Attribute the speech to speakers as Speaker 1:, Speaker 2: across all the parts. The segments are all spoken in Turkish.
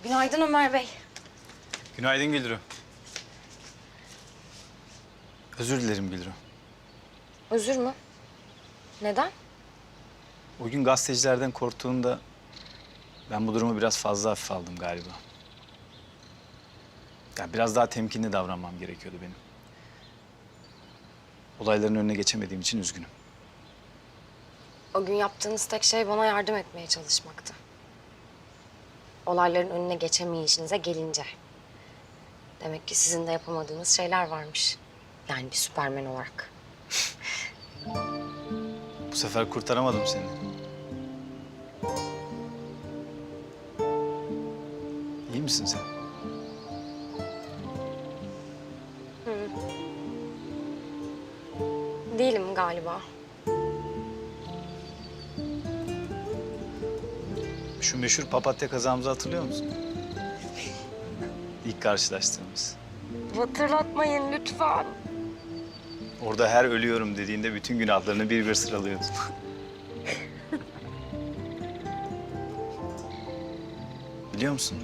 Speaker 1: Günaydın Ömer Bey.
Speaker 2: Günaydın Gülru. Özür dilerim Gülru.
Speaker 1: Özür mü? Neden?
Speaker 2: O gün gazetecilerden korktuğunda ben bu durumu biraz fazla hafife aldım galiba. Yani biraz daha temkinli davranmam gerekiyordu benim. Olayların önüne geçemediğim için üzgünüm.
Speaker 1: O gün yaptığınız tek şey bana yardım etmeye çalışmaktı. Olayların önüne geçemeyişinize gelince. Demek ki sizin de yapamadığınız şeyler varmış. Yani bir Süpermen olarak.
Speaker 2: Bu sefer kurtaramadım seni. İyi misin sen?
Speaker 1: Değilim galiba.
Speaker 2: Şu meşhur papatya kazamızı hatırlıyor musun? İlk karşılaştığımız.
Speaker 1: Hatırlatmayın lütfen.
Speaker 2: Orada her ölüyorum dediğinde bütün günahlarını bir bir sıralıyordun. Biliyor musun?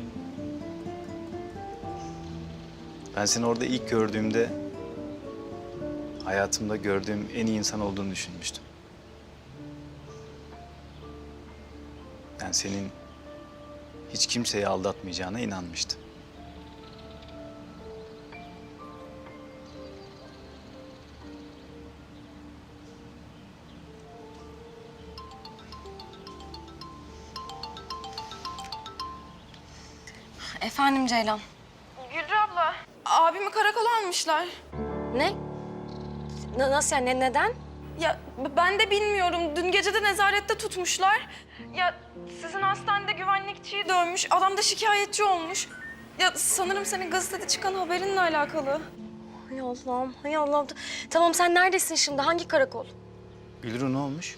Speaker 2: Ben seni orada ilk gördüğümde hayatımda gördüğüm en iyi insan olduğunu düşünmüştüm. Ben senin hiç kimseyi aldatmayacağına inanmıştım.
Speaker 1: Efendim Ceylan.
Speaker 3: Gülru abla, abimi karakola almışlar.
Speaker 1: Ne? Nasıl yani? Neden?
Speaker 3: Ya ben de bilmiyorum. Dün gece de nezarette tutmuşlar. Ya sizin hastanede güvenlikçiyi dövmüş. Adam da şikayetçi olmuş. Ya sanırım senin gazetede çıkan haberinle alakalı.
Speaker 1: Hay Allah'ım, hay Allah'ım. Tamam sen neredesin şimdi? Hangi karakol?
Speaker 2: Gülru ne olmuş?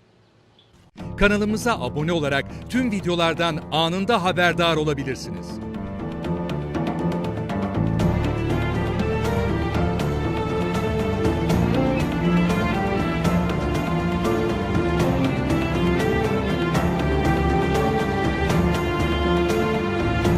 Speaker 4: Kanalımıza abone olarak tüm videolardan anında haberdar olabilirsiniz.